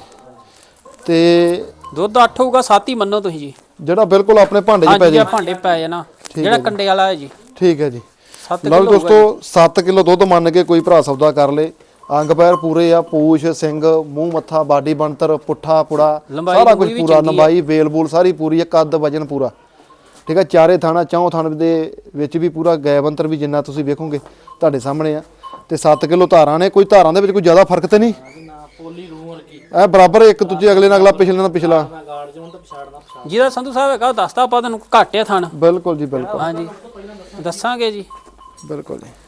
A: ਤੇ
B: ਦੁੱਧ 8 ਹੋਊਗਾ 7 ਹੀ ਮੰਨੋ ਤੁਸੀਂ ਜੀ।
A: ਜਿਹੜਾ ਬਿਲਕੁਲ ਆਪਣੇ ਭਾਂਡੇ 'ਚ ਪੈ
B: ਹਾਂਜੀ
A: ਜੇ।
B: ਆ ਭਾਂਡੇ ਪੈ ਜਾਣਾ ਜਿਹੜਾ ਕੰਡੇ ਵਾਲਾ ਹੈ ਜੀ।
A: ਠੀਕ ਹੈ ਜੀ
B: 7
A: ਲਓ
B: ਕਿਲੋ
A: ਦੋਸਤੋ 7 ਕਿਲੋ ਦੁੱਧ ਮੰਨ ਕੇ ਕੋਈ ਭਰਾ ਸੌਦਾ ਕਰ ਲੇ। ਅੰਗ ਪੈਰ ਪੂਰੇ ਆ, ਪੂਛ ਸਿੰਘ ਮੂੰਹ ਮੱਥਾ ਬਾਡੀ ਬਣਤਰ ਪੁੱਠਾ ਪੁੜਾ
B: ਲੰਬਾਈ
A: ਸਾਰਾ ਕੁਝ
B: ਵੀ
A: ਪੂਰਾ।
B: ਚੰਗੀ ਆ।
A: ਲੰਬਾਈ ਵੇਲ ਬੂਲ ਸਾਰੀ ਪੂਰੀ ਆ, ਕੱਦ ਵਜਨ ਪੂਰਾ। ਠੀਕ ਆ ਚਾਰੇ ਥਾਣਾ ਚੌਂ ਥਾਣ ਦੇ ਵਿੱਚ ਵੀ ਪੂਰਾ ਗੈਬੰਤਰ ਵੀ ਜਿੰਨਾ ਤੁਸੀਂ ਵੇਖੋਗੇ ਤੁਹਾਡੇ ਸਾਹਮਣੇ ਆ। ਤੇ 7 ਕਿਲੋ ਧਾਰਾਂ ਨੇ। ਕੋਈ ਧਾਰਾਂ ਦੇ ਵਿੱਚ ਕੋਈ ਜ਼ਿਆਦਾ ਫਰਕ ਤੇ ਨਹੀਂ।
C: ਨਾ ਪੋਲੀ ਰੂਹ ਵਰਗੀ।
A: ਐ ਬਰਾਬਰ ਇੱਕ ਦੂਜੇ ਅਗਲੇ ਨਾਲ ਅਗਲਾ ਪਿਛਲੇ ਨਾਲ ਪਿਛਲਾ।
C: ਮੈਂ ਗਾਰਡ ਜੋਨ ਤੋਂ ਪਛਾੜਨਾ ਪਛਾੜ।
B: ਜਿਹਦਾ ਸੰਧੂ ਸਾਹਿਬ ਹੈਗਾ ਉਹ ਦੱਸਦਾ ਆਪਾਂ ਤੁਹਾਨੂੰ ਘੱਟ ਆ ਥਣ।
A: ਬਿਲਕੁਲ ਜੀ ਬਿਲਕੁਲ
B: ਹਾਂਜੀ ਦੱਸਾਂਗੇ ਜੀ।
A: ਬਿਲਕੁਲ ਜੀ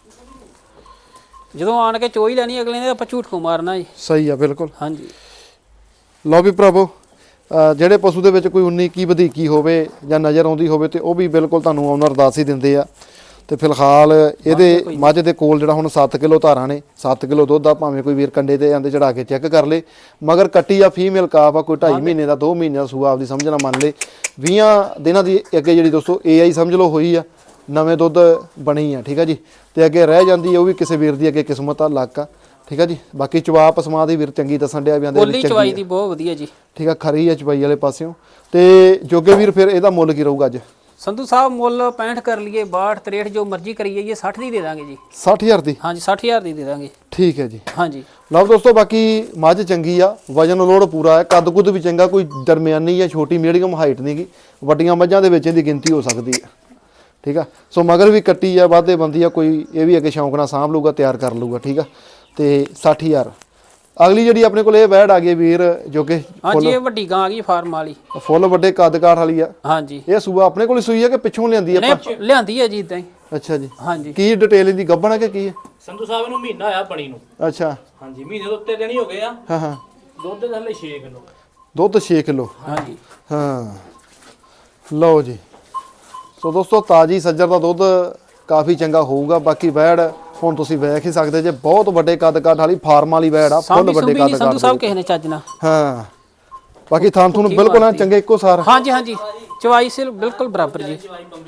B: ਜਦੋਂ ਆਣ ਕੇ ਚੋਈ ਲੈਣੀ ਅਗਲੇ ਨੇ ਆਪਾਂ ਝੂਠ ਕੋ ਮਾਰਨਾ ਜੀ।
A: ਸਹੀ ਆ ਬਿਲਕੁਲ।
B: ਹਾਂਜੀ
A: ਲਓ ਵੀ ਭਰਾਵੋ ਜਿਹੜੇ ਪਸ਼ੂ ਦੇ ਵਿੱਚ ਕੋਈ 19 ਕੀ ਵਧੀਕੀ ਹੋਵੇ ਜਾਂ ਨਜ਼ਰ ਆਉਂਦੀ ਹੋਵੇ ਤੇ ਉਹ ਵੀ ਬਿਲਕੁਲ ਤੁਹਾਨੂੰ ਓਨਰ ਦੱਸ ਹੀ ਦਿੰਦੇ ਆ। ਤੇ ਫਿਲਹਾਲ ਇਹਦੇ ਮੱਝ ਦੇ ਕੋਲ ਜਿਹੜਾ ਹੁਣ 7 ਕਿਲੋ ਧਾਰਾਂ ਨੇ 7 ਕਿਲੋ ਦੁੱਧ ਆ। ਭਾਵੇਂ ਕੋਈ ਵੀਰ ਕੰਡੇ ਤੇ ਜਾਂਦੇ ਚੜਾ ਕੇ ਚੈੱਕ ਕਰ ਲੇ। ਮਗਰ ਕੱਟੀ ਆ ਫੀਮੇਲ ਕਾਫ ਆ। ਕੋਈ 2.5 ਮਹੀਨੇ ਦਾ 2 ਮਹੀਨੇ ਦਾ ਸੂਆ ਆਪਦੀ ਸਮਝਣਾ ਮੰਨ ਲੇ। 20 ਦਿਨਾਂ ਦੀ ਅੱਗੇ ਜਿਹੜੀ ਦੋਸਤੋ AI ਸਮਝ ਲਓ ਹੋਈ ਆ। ਨਵੇਂ ਦੁੱਧ ਬਣੀ ਆ। ਠੀਕ ਆ ਜੀ ਤੇ ਅੱਗੇ ਰਹਿ ਜਾਂਦੀ ਆ ਉਹ ਵੀ ਕਿਸੇ ਵੀਰ ਦੀ ਅੱਗੇ ਕਿਸਮਤ ਆ ਲੱਕ ਆ। ਠੀਕ ਆ ਜੀ ਬਾਕੀ ਚਵਾ ਪਸਮਾ ਦੀ ਵੀਰ ਚੰਗੀ ਦੱਸਣ ਡਿਆ ਵੀ ਆਂਦੇ
B: ਬੋਲੀ ਚਵਾਈ ਦੀ ਬਹੁਤ ਵਧੀਆ ਜੀ।
A: ਠੀਕ ਆ ਖਰੀ ਆ ਚਵਾਈ ਵਾਲੇ ਪਾਸਿਓਂ। ਤੇ ਜੋਗੇ ਵੀਰ ਫਿਰ ਇਹਦਾ ਮੁੱਲ ਕੀ ਰਹੂਗਾ ਅੱਜ?
B: ਸੰਧੂ ਸਾਹਿਬ ਮੁੱਲ 65 ਕਰ ਲਈਏ 62 63 ਜੋ ਮਰਜ਼ੀ ਕਰੀ ਜਾਈਏ 60 ਦੀ ਦੇ ਦਾਂਗੇ ਜੀ।
A: 60000 ਦੀ।
B: ਹਾਂਜੀ 60000 ਦੀ ਦੇ ਦਾਂਗੇ।
A: ਠੀਕ ਹੈ ਜੀ
B: ਹਾਂਜੀ
A: ਲਓ ਦੋਸਤੋ ਬਾਕੀ ਮੱਝ ਚੰਗੀ ਆ। ਵਜਨ ਲੋਡ ਪੂਰਾ ਹੈ। ਕੱਦ ਕੁੱਦ ਵੀ ਚੰਗਾ। ਕੋਈ ਦਰਮਿਆਨੀ ਜਾਂ ਛੋਟੀ ਮੀਡੀਅਮ ਹਾਈਟ ਨਹੀਂਗੀ। ਵੱਡੀਆਂ ਮੱਝਾਂ ਦੇ ਵਿੱਚ ਇਹਦੀ ਗਿਣਤੀ ਹੋ ਸਕਦੀ ਹੈ। ਠੀਕ ਆ ਸੋ ਮਗਰ ਵੀ ਕੱਟੀ ਆ ਵਾਧੇ ਬੰਦੀ ਆ। ਕੋਈ ਇਹ ਵੀ ਅੱਗੇ ਸ਼ੌਂਕ ਨਾਲ ਸਾਂਭ ਲੂਗਾ ਤਿਆਰ ਕਰ ਲੂਗਾ। ਠੀਕ ਆ ਤੇ 60000 ਅਗਲੀ ਜਿਹੜੀ ਆਪਣੇ ਕੋਲ ਇਹ ਵੈੜ ਆ ਗਈ ਵੀਰ ਜੋ ਕਿ
B: ਹਾਂਜੀ ਇਹ ਵੱਡੀ ਗਾਂ ਆ ਗਈ ਫਾਰਮ ਵਾਲੀ
A: ਫੁੱਲ ਵੱਡੇ ਕੱਦ ਕਾਠ ਵਾਲੀ ਆ।
B: ਹਾਂਜੀ
A: ਇਹ ਸੂਆ ਆਪਣੇ ਕੋਲ ਹੀ ਸੂਈ ਆ ਕਿ ਪਿੱਛੋਂ ਲਿਆਂਦੀ ਆ?
B: ਨਹੀਂ ਲਿਆਂਦੀ ਹੈ ਜੀ ਇਦਾਂ ਹੀ।
A: ਅੱਛਾ ਜੀ,
B: ਹਾਂਜੀ
A: ਕੀ ਡਿਟੇਲ ਇਹਦੀ ਗੱਭਣ ਆ ਕਿ ਕੀ ਹੈ?
C: ਸੰਧੂ ਸਾਹਿਬ ਨੂੰ ਮਹੀਨਾ ਹੋਇਆ ਬਣੀ ਨੂੰ।
A: ਅੱਛਾ
C: ਹਾਂਜੀ ਮਹੀਨੇ ਦੇ ਉੱਤੇ ਦਿਨ ਹੀ ਹੋ ਗਏ ਆ।
A: ਹਾਂ ਹਾਂ,
C: ਦੁੱਧ ਦੇ ਥੱਲੇ 6 ਕਿਲੋ।
A: ਦੁੱਧ 6 ਕਿਲੋ।
B: ਹਾਂਜੀ
A: ਹਾਂ ਲਓ ਜੀ। ਸੋ ਦੋਸਤੋ ਤਾਜੀ ਸੱਜਰ ਦਾ ਦੁੱਧ ਕਾਫੀ ਚੰਗਾ ਹੋਊਗਾ। ਬਾਕੀ ਵੈੜ ਹੁਣ ਤੁਸੀਂ ਵੇਖ ਹੀ ਸਕਦੇ ਜੇ, ਬਹੁਤ ਵੱਡੇ ਕੱਦ ਕਾਠ ਵਾਲੀ ਫਾਰਮ ਵਾਲੀ ਵੈੜ ਆ, ਫੁੱਲ ਵੱਡੇ ਕੱਦ ਕਾਠ।
B: ਸੰਧੂ ਸਾਹਿਬ ਕਿਸੇ ਨੇ ਚੱਜ ਨਾ।
A: ਹਾਂ ਬਾਕੀ ਥਾਂ ਤੁਹਾਨੂੰ ਬਿਲਕੁਲ ਆ ਚੰਗੇ ਇੱਕੋ ਸਾਰ।
B: ਹਾਂਜੀ ਹਾਂਜੀ ਚਵਾਈ ਸੇ ਬਿਲਕੁਲ ਬਰਾਬਰ ਜੀ।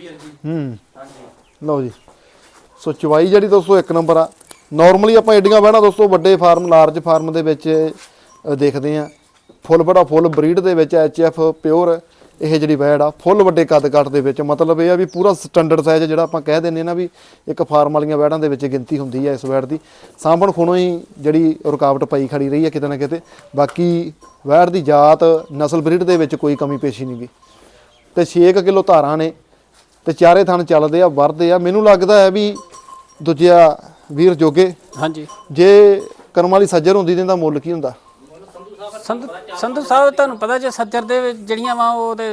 A: ਲਓ ਜੀ। ਸੋ ਚਵਾਈ ਜਿਹੜੀ ਦੋਸਤੋ ਇੱਕ ਨੰਬਰ ਆ। ਨਾਰਮਲੀ ਆਪਾਂ ਏਡੀਆਂ ਵੈੜਾਂ ਦੋਸਤੋ ਵੱਡੇ ਫਾਰਮ ਲਾਰਜ ਫਾਰਮ ਦੇ ਵਿੱਚ ਦੇਖਦੇ ਆ, ਫੁੱਲ ਬੜਾ ਫੁੱਲ ਬਰੀਡ ਦੇ ਵਿੱਚ HF ਪਿਓਰ ਇਹ ਜਿਹੜੀ ਵੈੜ ਆ ਫੁੱਲ ਵੱਡੇ ਕੱਦ ਕਾਠ ਦੇ ਵਿੱਚ, ਮਤਲਬ ਇਹ ਆ ਵੀ ਪੂਰਾ ਸਟੈਂਡਰਡ ਸਾਈਜ਼ ਜਿਹੜਾ ਆਪਾਂ ਕਹਿ ਦਿੰਦੇ ਨਾ ਵੀ ਇੱਕ ਫਾਰਮ ਵਾਲੀਆਂ ਵੈੜਾਂ ਦੇ ਵਿੱਚ ਗਿਣਤੀ ਹੁੰਦੀ ਹੈ ਇਸ ਵੈੜ ਦੀ। ਸਾਂਭਣ ਖੁਣੋਂ ਹੀ ਜਿਹੜੀ ਰੁਕਾਵਟ ਪਈ ਖੜੀ ਰਹੀ ਹੈ ਕਿਤੇ ਨਾ ਕਿਤੇ। ਬਾਕੀ ਵੈੜ ਦੀ ਜਾਤ ਨਸਲ ਬਰੀਡ ਦੇ ਵਿੱਚ ਕੋਈ ਕਮੀ ਪੇਸ਼ੀ ਨਹੀਂ ਗੀ। ਤੇ 6 ਕਿਲੋ ਧਾਰਾਂ ਨੇ ਤੇ ਚਾਰੇ ਥਣ ਚੱਲਦੇ ਆ, ਵਰਦੇ ਆ। ਮੈਨੂੰ ਲੱਗਦਾ ਹੈ ਵੀ ਦੂਜਿਆ ਵੀਰ ਜੋਗੇ
B: ਹਾਂਜੀ
A: ਜੇ ਕਰਮ ਵਾਲੀ ਸੱਜਰ ਹੁੰਦੀ ਤੇ ਇਹਦਾ ਮੁੱਲ ਕੀ ਹੁੰਦਾ?
B: ਸੰਧੂ ਸਾਹਿਬ ਤੁਹਾਨੂੰ ਪਤਾ ਜੇ ਸੱਜਰ ਦੇ ਵਿੱਚ ਜਿਹੜੀਆਂ ਵਾ ਉਹ ਤੇ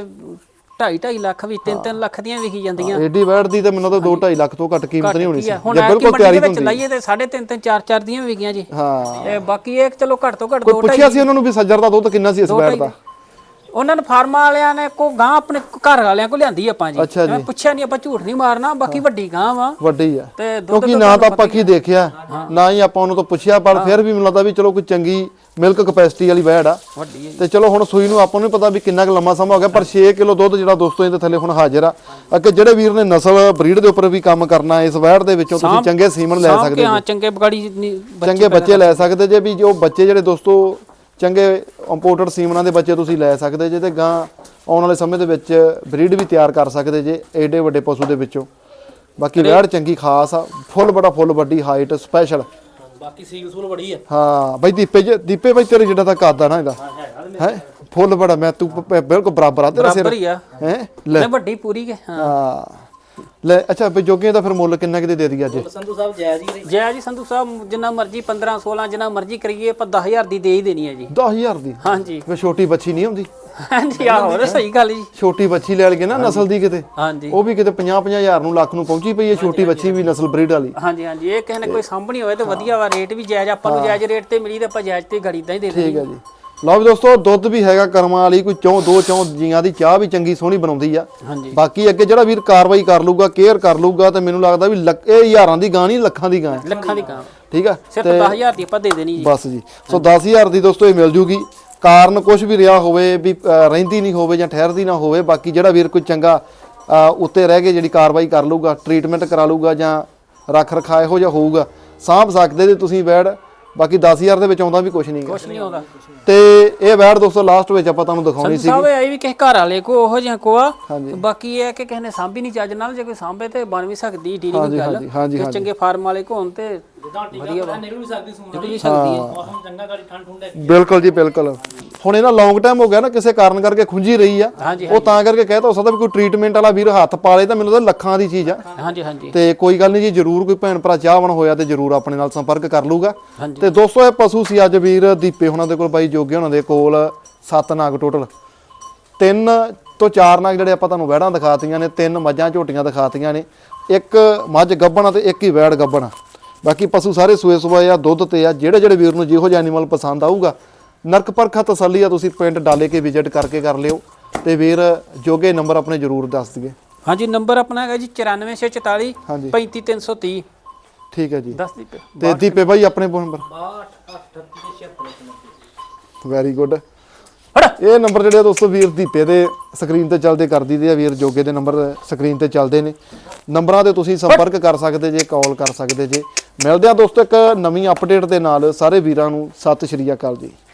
B: 2.5 ਲੱਖ ਵੀ 3 ਲੱਖ ਦੀਆਂ ਵਿਕੀ ਜਾਂਦੀਆਂ।
A: ਏਡੀ ਵੈੜ ਦੀ ਤਾਂ ਮੈਨੂੰ ਤਾਂ 2.5 ਲੱਖ ਤੋਂ ਘੱਟ ਕੀਮਤ ਨਹੀਂ ਹੋਣੀ ਸੀ
B: ਹੁਣ
A: ਜੇ ਬਿਲਕੁਲ ਤਿਆਰੀ
B: ਵਿੱਚ ਲਾਈਏ ਤੇ 3.5 4 ਦੀਆਂ ਵੀ ਵਿਕੀਆਂ ਜੀ।
A: ਹਾਂ
B: ਤੇ ਬਾਕੀ ਇਹ ਚਲੋ ਘੱਟ ਤੋਂ ਘੱਟ
A: ਕੋਈ ਪੁੱਛਿਆ ਸੀ ਉਹਨਾਂ ਨੂੰ ਵੀ ਸੱਜਰ ਦਾ ਦੁੱਧ ਕਿੰਨਾ ਸੀ ਇਸ ਵੈੜ ਦਾ?
B: ਉਹਨਾਂ ਨੇ ਫਾਰਮਾਂ ਵਾਲਿਆਂ ਨੇ ਕੋ ਗਾਂ ਆਪਣੇ ਘਰ ਵਾਲਿਆਂ ਕੋ ਲਿਆਂਦੀ ਆਪਾਂ ਜੀ।
A: ਅੱਛਾ ਜੀ।
B: ਮੈਂ ਪੁੱਛਿਆ ਨਹੀਂ, ਆਪਾਂ ਝੂਠ ਨਹੀਂ ਮਾਰਨਾ। ਬਾਕੀ ਵੱਡੀ ਗਾਂ ਵਾ
A: ਵੱਡੀ ਆ,
B: ਤੇ ਦੁੱਧ
A: ਕਿਉਂਕਿ ਨਾ ਤਾਂ ਆਪਾਂ ਕੀ ਦੇਖਿਆ ਨਾ ਹੀ ਆਪਾਂ ਉਹਨੂੰ ਤੋਂ ਪੁੱਛਿਆ, ਪਰ ਫਿਰ ਵੀ ਮੈਨੂੰ ਲੱਗਦਾ ਵੀ ਚਲੋ ਕੋਈ ਚੰਗੀ ਮਿਲਕ ਕਪੈਸਿਟੀ ਵਾਲੀ ਵੈੜ ਆ।
B: ਵੱਡੀ ਹੈ
A: ਤੇ ਚਲੋ ਹੁਣ ਸੂਈ ਨੂੰ ਆਪਾਂ ਨੂੰ ਪਤਾ ਵੀ ਕਿੰਨਾ ਕੁ ਲੰਮਾ ਸਮਾਂ ਹੋ ਗਿਆ, ਪਰ 6 ਕਿਲੋ ਦੁੱਧ ਜਿਹੜਾ ਦੋਸਤੋ ਇਹਦੇ ਥੱਲੇ ਹੁਣ ਹਾਜ਼ਰ ਆ। ਅੱਗੇ ਜਿਹੜੇ ਵੀਰ ਨੇ ਨਸਲ ਬਰੀਡ ਦੇ ਉੱਪਰ ਵੀ ਕੰਮ ਕਰਨਾ, ਇਸ ਵੈੜ ਦੇ ਵਿੱਚੋਂ ਤੁਸੀਂ ਚੰਗੇ ਸੀਮਨ ਲੈ ਸਕਦੇ
B: ਹਾਂ, ਚੰਗੇ ਬਗਾੜੀ
A: ਚੰਗੇ ਬੱਚੇ ਲੈ ਸਕਦੇ ਜੇ। ਵੀ ਜੋ ਬੱਚੇ ਜਿਹੜੇ ਦੋਸਤੋ ਚੰਗੇ ਇੰਪੋਰਟਡ ਸੀਮਨਾਂ ਦੇ ਬੱਚੇ ਤੁਸੀਂ ਲੈ ਸਕਦੇ ਜੇ, ਤੇ ਗਾਂ ਆਉਣ ਵਾਲੇ ਸਮੇਂ ਦੇ ਵਿੱਚ ਬਰੀਡ ਵੀ ਤਿਆਰ ਕਰ ਸਕਦੇ ਜੇ ਏਡੇ ਵੱਡੇ ਪਸ਼ੂ ਦੇ ਵਿੱਚੋਂ। ਬਾਕੀ ਵੈੜ ਚੰਗੀ ਖਾਸ ਆ, ਫੁੱਲ ਬੜਾ ਫੁੱਲ ਵੱਡੀ ਹਾਈਟ ਸਪੈਸ਼ਲ।
C: ਬਾਕੀ ਸੀਲ ਸੂਲ ਬੜੀ ਆ।
A: ਹਾਂ ਬਾਈ ਦੀਪੇ ਬਾਈ ਤੇਰੇ ਜਿਹੜਾ ਤਾਂ ਕੱਦ ਆ ਨਾ ਇਹਦਾ ਹੈ ਫੁੱਲ ਬੜਾ, ਮੈਂ ਤੂੰ ਬਿਲਕੁਲ ਬਰਾਬਰ ਆ ਤੇਰਾ ਸਿਰ
B: ਬਰਾਬਰ ਹੀ ਆ
A: ਹੈ ਲੈ
B: ਵੱਡੀ ਪੂਰੀ ਕੇ।
A: ਹਾਂ ਲੈ ਅੱਛਾ ਬਈ ਜੋਗੇ ਦਾ ਫਿਰ ਮੁੱਲ ਕਿੰਨਾ ਕਿਤੇ ਦੇ ਦਈਏ ਅੱਜ?
C: ਸੰਧੂ ਸਾਹਿਬ ਜਾਇਜ਼ ਹੀ
B: ਜੈ ਜੀ ਸੰਧੂ ਸਾਹਿਬ ਜਿੰਨਾ ਮਰਜ਼ੀ 15 16 ਜਿੰਨਾ ਮਰਜ਼ੀ ਕਰੀਏ ਆਪਾਂ 10,000 ਦੀ ਦੇ ਹੀ ਦੇਣੀ ਹੈ ਜੀ।
A: 10,000 ਦੀ?
B: ਹਾਂਜੀ
A: ਵੇ ਛੋਟੀ ਬੱਚੀ ਨਹੀਂ ਆਉਂਦੀ?
B: ਹਾਂਜੀ ਆਹੋ ਸਹੀ ਗੱਲ ਜੀ।
A: ਛੋਟੀ ਬੱਚੀ ਲੈ ਲਗੇ ਨਾ ਨਸਲ ਦੀ ਕਿਤੇ,
B: ਹਾਂਜੀ
A: ਉਹ ਵੀ ਕਿਤੇ 50 ਹਜ਼ਾਰ ਨੂੰ ਲੱਖ ਨੂੰ ਪਹੁੰਚੀ ਪਈ ਹੈ ਛੋਟੀ ਬੱਚੀ ਵੀ ਨਸਲ ਬਰੀਡ ਵਾਲੀ।
B: ਹਾਂਜੀ ਹਾਂਜੀ ਇਹ ਕਿਸੇ ਨੇ ਕੋਈ ਸਾਂਭਣੀ ਹੋਵੇ ਤਾਂ ਵਧੀਆ ਵਾ, ਰੇਟ ਵੀ ਜਾਇਜ਼ ਆਪਾਂ ਨੂੰ ਜਾਇਜ਼ ਰੇਟ ਤੇ ਮਿਲੀ ਤਾਂ ਆਪਾਂ ਜਾਇਜ਼ ਤੇ ਗੜੀ ਦਾ ਹੀ ਦੇ ਦੇਣੀ।
A: ਠੀਕ ਹੈ ਜੀ। ਲਓ ਵੀ ਦੋਸਤੋ ਦੁੱਧ ਵੀ ਹੈਗਾ ਕਰਮਾਂ ਵਾਲੀ, ਕੋਈ ਦੋ ਚੌਂ ਜੀਆਂ ਦੀ ਚਾਹ ਵੀ ਚੰਗੀ ਸੋਹਣੀ ਬਣਾਉਂਦੀ ਆ।
B: ਹਾਂਜੀ
A: ਬਾਕੀ ਅੱਗੇ ਜਿਹੜਾ ਵੀਰ ਕਾਰਵਾਈ ਕਰ ਲੂਗਾ, ਕੇਅਰ ਕਰ ਲੂਗਾ, ਤੇ ਮੈਨੂੰ ਲੱਗਦਾ ਵੀ ਇਹ ਹਜ਼ਾਰਾਂ ਦੀ ਗਾਂ ਨਹੀਂ ਲੱਖਾਂ ਦੀ ਗਾਂ ਹੈ।
B: ਲੱਖਾਂ ਦੀ ਗਾਂ
A: ਠੀਕ ਆ,
B: ਸਿਰਫ 10,000 ਦੀ ਆਪਾਂ ਦੇ ਦੇਣੀ ਜੀ।
A: ਬਸ ਜੀ। ਸੋ 10,000 ਦੀ ਦੋਸਤੋ ਇਹ ਮਿਲ ਜੂਗੀ। ਕਾਰਨ ਕੁਝ ਵੀ ਰਿਹਾ ਹੋਵੇ ਵੀ ਰਹਿੰਦੀ ਨਹੀਂ ਹੋਵੇ ਜਾਂ ਠਹਿਰਦੀ ਨਾ ਹੋਵੇ, ਬਾਕੀ ਜਿਹੜਾ ਵੀਰ ਕੋਈ ਚੰਗਾ ਉੱਤੇ ਰਹਿ ਕੇ ਜਿਹੜੀ ਕਾਰਵਾਈ ਕਰ ਲੂਗਾ, ਟ੍ਰੀਟਮੈਂਟ ਕਰਾ ਲੂਗਾ ਜਾਂ ਰੱਖ ਰਖਾ ਇਹੋ ਜਿਹਾ ਹੋਊਗਾ, ਸਾਂਭ ਸਕਦੇ ਜੇ ਤੁਸੀਂ ਵੈੜ। ਬਾਕੀ 10,000 ਦੇ ਵਿੱਚ ਆਉਂਦਾ ਵੀ ਕੁਝ ਨਹੀਂ
B: ਕੁਝ ਨਹੀਂ ਆਉਂਦਾ।
A: ਤੇ ਇਹ ਵੈੜ ਦੋਸਤੋ ਲਾਸਟ ਵਿੱਚ ਆਪਾਂ ਤੁਹਾਨੂੰ ਦਿਖਾਉਣੀ ਸੀ।
B: ਸਾਹਿਬ ਇਹ ਵੀ ਕਿਸੇ ਘਰ ਵਾਲੇ ਕੋ ਉਹੋ ਜਿਹਾ ਕੋ ਆ।
A: ਹਾਂਜੀ।
B: ਬਾਕੀ ਇਹ ਹੈ ਕਿ ਕਿਸੇ ਨੇ ਸਾਂਭੀ ਨਹੀਂ ਚੱਜ ਨਾਲ, ਜੇ ਕੋਈ ਸਾਂਭੇ ਤੇ ਬਣ ਵੀ ਸਕਦੀ ਢੀ ਨਹੀਂ ਗੱਲ।
A: ਹਾਂਜੀ
B: ਕਿ ਚੰਗੇ ਫਾਰਮ ਵਾਲੇ ਕੋ ਹੋਣ ਤੇ
C: ਜਿੱਦਾਂ ਟੀਕਾ ਪਾ ਨਿਕਲ ਵੀ ਸਕਦੀ ਸੂਣ
B: ਨਿਕਲ ਵੀ ਸਕਦੀ ਹੈ।
C: ਮੌਸਮ ਚੰਗਾ ਗਾੜੀ ਠੰਡ ਠੁੰਡ ਹੈ।
A: ਬਿਲਕੁਲ ਜੀ ਬਿਲਕੁਲ। ਹੁਣ ਇਹਨਾਂ ਲੌਂਗ ਟਾਈਮ ਹੋ ਗਿਆ ਨਾ, ਕਿਸੇ ਕਾਰਨ ਕਰਕੇ ਖੁੰਝੀ ਰਹੀ ਆ,
B: ਹਾਂਜੀ
A: ਉਹ ਤਾਂ ਕਰਕੇ ਕਹਿਤਾ ਹੋ ਸਕਦਾ ਵੀ ਕੋਈ ਟ੍ਰੀਟਮੈਂਟ ਵਾਲਾ ਵੀਰ ਹੱਥ ਪਾ ਲੇ ਤਾਂ ਮੈਨੂੰ ਤਾਂ ਲੱਖਾਂ ਦੀ ਚੀਜ਼ ਆ।
B: ਹਾਂਜੀ ਹਾਂਜੀ
A: ਤੇ ਕੋਈ ਗੱਲ ਨਹੀਂ ਜੀ, ਜਰੂਰ ਕੋਈ ਭੈਣ ਭਰਾ ਚਾਹਵਣ ਹੋਇਆ ਤੇ ਜਰੂਰ ਆਪਣੇ ਨਾਲ ਸੰਪਰਕ ਕਰ ਲੂਗਾ।
B: ਹਾਂਜੀ।
A: ਤੇ ਦੋਸਤੋ ਇਹ ਪਸ਼ੂ ਸੀ ਅੱਜ ਵੀਰ ਦੀਪੇ ਉਹਨਾਂ ਦੇ ਕੋਲ, ਬਾਈ ਜੋਗੇ ਉਹਨਾਂ ਦੇ ਕੋਲ 7 ਨਾਗ ਟੋਟਲ, 3 ਤੋਂ 4 ਨਾਗ ਜਿਹੜੇ ਆਪਾਂ ਤੁਹਾਨੂੰ ਵੈੜਾਂ ਦਿਖਾਤੀਆਂ ਨੇ, 3 ਮੱਝਾਂ ਝੋਟੀਆਂ ਦਿਖਾਤੀਆਂ ਨੇ, 1 ਮੱਝ ਗੱਭਣ ਤੇ 1 ਹੀ ਵੈੜ ਗੱਭਣ। ਬਾਕੀ ਪਸ਼ੂ ਸਾਰੇ ਸੂਏ ਸੁਬਾਏ ਆ, ਦੁੱਧ ਤੇ ਆ। ਜਿਹੜੇ ਵੀਰ ਨੂੰ ਜਿਹੋ ਜਿਹਾ ਐਨੀਮਲ ਪਸੰਦ ਆਊਗਾ, ਨਰਕ ਪਰਖਾ ਤਸੱਲੀ ਆ, ਤੁਸੀਂ ਪਿੰਡ ਡਾਲੇ ਕੇ ਵਿਜ਼ਿਟ ਕਰਕੇ ਕਰ ਲਿਓ। ਤੇ ਵੀਰ ਜੋਗੇ ਨੰਬਰ ਆਪਣੇ ਜਰੂਰ ਦੱਸ ਦਈਏ।
B: ਹਾਂਜੀ ਨੰਬਰ ਆਪਣਾ ਹੈਗਾ ਜੀ 9444
A: ਹਾਂਜੀ
B: 35330।
A: ਠੀਕ ਹੈ ਜੀ।
B: ਦੱਸ ਦੀ
A: ਤੇ ਦੀਪੇ ਬਾਈ ਆਪਣੇ ਨੰਬਰ
C: 62
A: ਵੈਰੀ ਗੁੱਡ। ਇਹ ਨੰਬਰ ਜਿਹੜੇ ਦੋਸਤੋ ਵੀਰ ਦੀਪੇ ਦੇ ਸਕਰੀਨ ਤੇ ਚੱਲਦੇ ਕਰ ਦਈਦੇ ਆ, ਵੀਰ ਜੋਗੇ ਦੇ ਨੰਬਰ ਸਕਰੀਨ ਤੇ ਚੱਲਦੇ ਨੇ। ਨੰਬਰਾਂ ਤੇ ਤੁਸੀਂ ਸੰਪਰਕ ਕਰ ਸਕਦੇ ਜੇ, ਕਾਲ ਕਰ ਸਕਦੇ ਜੇ। ਮਿਲਦੇ ਆ ਦੋਸਤੋ ਇੱਕ ਨਵੀਂ ਅਪਡੇਟ ਦੇ ਨਾਲ। ਸਾਰੇ ਵੀਰਾਂ ਨੂੰ ਸਤਿ ਸ਼੍ਰੀ ਅਕਾਲ ਜੀ।